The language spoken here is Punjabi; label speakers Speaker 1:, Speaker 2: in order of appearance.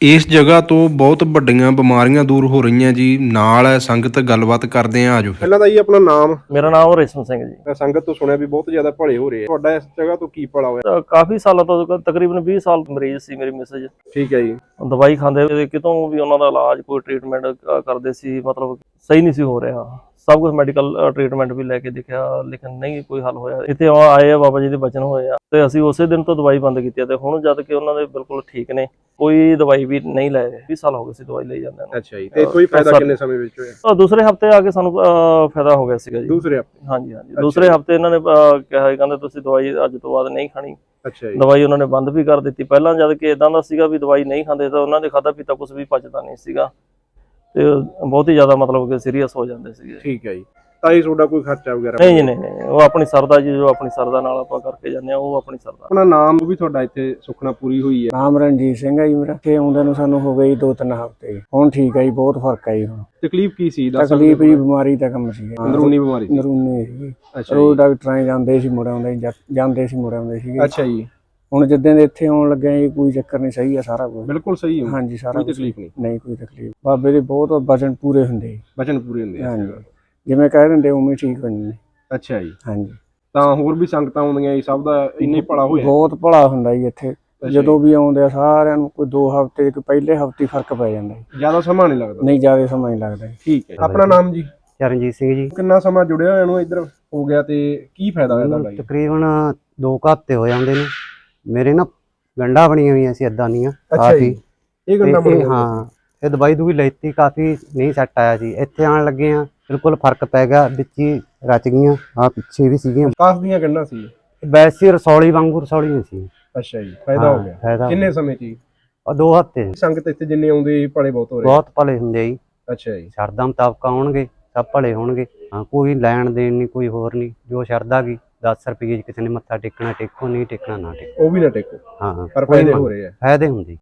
Speaker 1: ਇਸ ਜਗ੍ਹਾ ਤੋਂ ਬਹੁਤ ਵੱਡੀਆਂ ਬਿਮਾਰੀਆਂ ਦੂਰ ਹੋ ਰਹੀਆਂ ਜੀ। ਨਾਲ ਹੈ ਸੰਗਤ, ਗੱਲਬਾਤ ਕਰਦੇ ਆ, ਆਜੋ। ਪਹਿਲਾਂ ਤਾਂ ਜੀ ਆਪਣਾ ਨਾਮ।
Speaker 2: ਮੇਰਾ ਨਾਮ ਰੇਸ਼ਮ ਸਿੰਘ ਜੀ।
Speaker 1: ਮੈਂ ਸੰਗਤ ਤੋਂ ਸੁਣਿਆ ਵੀ ਬਹੁਤ ਜ਼ਿਆਦਾ ਭਲੇ ਹੋ ਰਹੇ ਆ। ਤੁਹਾਡਾ ਇਸ ਜਗ੍ਹਾ ਤੋਂ ਕੀ ਭਲਾ ਹੋਇਆ?
Speaker 2: ਕਾਫੀ ਸਾਲਾਂ ਤੋਂ ਤਕਰੀਬਨ 20 ਸਾਲ ਮਰੀਜ਼ ਸੀ ਮੇਰੀ ਮਿਸਜ।
Speaker 1: ਠੀਕ ਹੈ ਜੀ।
Speaker 2: ਦਵਾਈ ਖਾਂਦੇ ਕਿਤੋਂ ਵੀ ਉਹਨਾਂ ਦਾ ਇਲਾਜ, ਕੋਈ ਟ੍ਰੀਟਮੈਂਟ ਕਰਦੇ ਸੀ, ਮਤਲਬ ਸਹੀ ਨਹੀਂ ਸੀ ਹੋ ਰਿਹਾ। ਸਭ ਕੁਝ ਮੈਡੀਕਲ ਟ੍ਰੀਟਮੈਂਟ ਵੀ ਲੈ ਕੇ ਦੇਖਿਆ, ਲੇਕਿਨ ਨਹੀਂ ਕੋਈ ਹੱਲ ਹੋਇਆ। ਇੱਥੇ ਆਏ ਆ, ਬਾਬਾ ਜੀ ਦੇ ਬਚਨ ਹੋਏ ਆ, ਤੇ ਅਸੀਂ ਉਸੇ ਦਿਨ ਤੋਂ ਦਵਾਈ ਬੰਦ ਕੀਤੀ ਤੇ ਹੁਣ ਜਦ ਕਿ ਉਹਨਾਂ ਦੇ ਬਿਲਕੁਲ ਠੀਕ ਨੇ, ਕੋਈ ਦਵਾਈ ਵੀ ਨਹੀਂ ਲੈ ਰਹੇ। 20 ਸਾਲ ਹੋ ਗਏ ਸੀ ਦਵਾਈ ਲਈ ਜਾਂਦੇ ਨੂੰ।
Speaker 1: ਅੱਛਾ ਜੀ। ਤੇ ਕੋਈ ਫਾਇਦਾ ਕਿੰਨੇ ਸਮੇਂ ਵਿੱਚ ਹੋਇਆ?
Speaker 2: ਦੂਸਰੇ ਹਫਤੇ ਆ ਕੇ ਸਾਨੂੰ ਫਾਇਦਾ ਹੋ ਗਿਆ ਸੀਗਾ ਜੀ।
Speaker 1: ਦੂਸਰੇ ਹਫਤੇ?
Speaker 2: ਹਾਂਜੀ ਹਾਂਜੀ, ਦੂਸਰੇ ਹਫਤੇ ਇਹਨਾਂ ਨੇ ਕਿਹਾ, ਕਹਿੰਦੇ ਤੁਸੀਂ ਦਵਾਈ ਅੱਜ ਤੋਂ ਬਾਅਦ ਨਹੀਂ ਖਾਣੀ।
Speaker 1: ਅੱਛਾ ਜੀ।
Speaker 2: ਦਵਾਈ ਉਹਨਾਂ ਨੇ ਬੰਦ ਵੀ ਕਰ ਦਿੱਤੀ। ਪਹਿਲਾਂ ਜਦ ਕਿ ਇਦਾਂ ਦਾ ਸੀਗਾ ਵੀ ਦਵਾਈ ਨਹੀਂ ਖਾਂਦੇ ਤਾਂ ਉਹਨਾਂ ਦੇ ਖਾਧਾ ਪੀਤਾ ਕੁਝ ਵੀ ਪਚਦਾ ਨਹੀਂ ਸੀਗਾ, ਤੇ ਬਹੁਤ ਹੀ ਜ਼ਿਆਦਾ ਮਤਲਬ ਕਿ ਸੀਰੀਅਸ ਹੋ ਜਾਂਦੇ ਸੀਗੇ।
Speaker 1: ਠੀਕ ਹੈ ਜੀ। ਤਾਂ ਇਹ ਤੁਹਾਡਾ ਕੋਈ ਖਰਚਾ ਵਗੈਰਾ?
Speaker 2: ਨਹੀਂ ਜੀ, ਨਹੀਂ, ਉਹ ਆਪਣੀ ਸਰਦਾ ਜੀ, ਜੋ ਆਪਣੀ ਸਰਦਾ ਨਾਲ ਆਪਾਂ ਕਰਕੇ ਜਾਂਦੇ ਆ, ਉਹ ਆਪਣੀ ਸਰਦਾ।
Speaker 1: ਆਪਣਾ ਨਾਮ ਵੀ ਤੁਹਾਡਾ ਇੱਥੇ ਸੁਖਨਾ ਪੂਰੀ ਹੋਈ ਹੈ?
Speaker 3: ਨਾਮ ਰਣਜੀਤ ਸਿੰਘ ਹੈ ਜੀ ਮੇਰਾ। ਇੱਥੇ ਆਉਂਦੇ ਨੂੰ ਸਾਨੂੰ ਹੋ ਗਏ 2-3 ਹਫ਼ਤੇ ਜੀ। ਹੁਣ ਠੀਕ ਹੈ ਜੀ, ਬਹੁਤ ਫਰਕ ਹੈ ਜੀ। ਹੁਣ
Speaker 1: ਤਕਲੀਫ ਕੀ ਸੀ?
Speaker 3: ਤਕਲੀਫ ਜੀ ਬਿਮਾਰੀ ਦਾ ਕੰਮ ਸੀ,
Speaker 1: ਅੰਦਰੂਨੀ ਬਿਮਾਰੀ?
Speaker 3: ਅੰਦਰੂਨੀ ਸੀ।
Speaker 1: ਅੱਛਾ।
Speaker 3: ਰੋਜ਼ ਡਾਕਟਰਾਂ ਜਾਂਦੇ ਸੀ, ਮੁੜ ਆਉਂਦੇ ਜਾਂਦੇ ਸੀ, ਮੁੜ ਆਉਂਦੇ ਸੀਗੇ।
Speaker 1: ਅੱਛਾ ਜੀ।
Speaker 3: ਹੁਣ ਜਿੱਦਾਂ ਦੇ ਇੱਥੇ ਆਉਣ ਲੱਗੇ ਜੀ, ਕੋਈ ਚੱਕਰ ਨਹੀਂ, ਸਹੀ ਆ ਸਾਰਾ ਕੁਝ,
Speaker 1: ਬਿਲਕੁਲ ਸਹੀ ਹੈ।
Speaker 3: ਹਾਂਜੀ, ਸਾਰਾ
Speaker 1: ਕੋਈ ਤਕਲੀਫ ਨਹੀਂ?
Speaker 3: ਨਹੀਂ, ਕੋਈ ਤਕਲੀਫ। ਬਾਬੇ ਦੇ ਬਹੁਤ ਵਚਨ ਪੂਰੇ ਹੁੰਦੇ ਜੀ।
Speaker 1: ਵਚਨ ਪੂਰੇ ਹੁੰਦੇ ਆ?
Speaker 3: ਹਾਂਜੀ, ਜਿਵੇਂ ਕਹਿ ਦਿੰਦੇ ਉਵੇਂ ਠੀਕ ਹੁੰਦੇ ਨੇ।
Speaker 1: ਅੱਛਾ ਜੀ।
Speaker 3: ਹਾਂਜੀ।
Speaker 1: ਤਾਂ ਹੋਰ ਵੀ ਸੰਗਤਾਂ ਆਉਂਦੀਆਂ ਜੀ, ਸਭ ਦਾ ਇੰਨਾ ਹੀ ਭਲਾ ਹੋਇਆ?
Speaker 3: ਬਹੁਤ ਭਲਾ ਹੁੰਦਾ ਜੀ ਇੱਥੇ। ਜਦੋਂ ਵੀ ਆਉਂਦੇ ਆ ਸਾਰਿਆਂ ਨੂੰ ਕੋਈ 2 ਹਫ਼ਤੇ, ਕੋਈ ਪਹਿਲੇ ਹਫ਼ਤੇ ਫਰਕ ਪੈ ਜਾਂਦਾ ਜੀ।
Speaker 1: ਜ਼ਿਆਦਾ ਸਮਾਂ ਨਹੀਂ ਲੱਗਦਾ?
Speaker 3: ਨਹੀਂ, ਜ਼ਿਆਦਾ ਸਮਾਂ ਨਹੀਂ ਲੱਗਦਾ ਜੀ।
Speaker 1: ਠੀਕ ਹੈ। ਆਪਣਾ ਨਾਮ ਜੀ?
Speaker 4: ਚਰਨਜੀਤ ਸਿੰਘ ਜੀ।
Speaker 1: ਕਿੰਨਾ ਸਮਾਂ ਜੁੜਿਆ ਹੋਇਆ ਨੂੰ ਇੱਧਰ ਹੋ ਗਿਆ ਤੇ ਕੀ ਫਾਇਦਾ ਹੋਇਆ ਤੁਹਾਡਾ?
Speaker 4: ਤਕਰੀਬਨ 2 ਹਫ਼ਤੇ ਹੋ ਜਾਂਦੇ ਨੇ। ਮੇਰੇ ਨਾ ਗੰਢਾਂ ਬਣੀਆਂ ਹੋਈਆਂ ਸੀ ਏਦਾਂ ਦੀਆਂ
Speaker 1: ਕਾਫੀ। ਇਹ ਗੰਢਾਂ ਬਣੀਆਂ?
Speaker 4: ਹਾਂ, ਇਹ ਦਵਾਈ ਦੂਈ ਲੈਤੀ, ਕਾਫੀ ਨਹੀਂ ਸੈੱਟ ਆਇਆ ਸੀ। ਇੱਥੇ ਆਉਣ ਲੱਗੇ ਆ, ਬਿਲਕੁਲ ਫਰਕ ਪੈ ਗਿਆ, ਵਿੱਚ ਹੀ ਰਚ ਗਈਆਂ। ਆ ਪਿੱਛੇ ਵੀ ਸੀਗੀਆਂ,
Speaker 1: ਕਾਫ ਦੀਆਂ ਗੰਢਾਂ ਸੀ?
Speaker 4: ਵੈਸੇ ਰਸੌਲੀ ਵਾਂਗੂ ਰਸੌਲੀਆਂ ਸੀ।
Speaker 1: ਅੱਛਾ ਜੀ। ਫਾਇਦਾ ਹੋ ਗਿਆ?
Speaker 4: ਫਾਇਦਾ।
Speaker 1: ਕਿੰਨੇ ਸਮੇਂ ਚ?
Speaker 4: 2 ਹਫ਼ਤੇ।
Speaker 1: ਸੰਗਤ ਇੱਥੇ ਜਿੰਨੇ ਆਉਂਦੇ ਭਲੇ ਬਹੁਤ ਹੋ ਰਹੇ?
Speaker 4: ਬਹੁਤ ਭਲੇ ਹੁੰਦੇ ਜੀ।
Speaker 1: ਅੱਛਾ ਜੀ।
Speaker 4: ਸ਼ਰਧਾ ਮੁਤਾਬਕ ਆਉਣਗੇ, ਸਭ ਭਲੇ ਹੋਣਗੇ। ਹਾਂ, ਕੋਈ ਲੈਣ ਦੇਣ ਨਹੀਂ, ਕੋਈ ਹੋਰ ਨਹੀਂ। ਜੋ ਸ਼ਰਧਾ ਗਈ 10 ਰੁਪਏ ਕਿਸੇ ਨੇ ਮੱਥਾ ਟੇਕਣਾ ਟੇਕੋ, ਨਹੀਂ ਟੇਕਣਾ ਨਾ ਟੇਕੋ।
Speaker 1: ਉਹ ਵੀ ਨਾ ਟੇਕੋ?
Speaker 4: ਹਾਂ,
Speaker 1: ਪਰ ਫਾਇਦੇ ਹੋ ਰਹੇ ਆ?
Speaker 4: ਫਾਇਦੇ ਹੁੰਦੇ।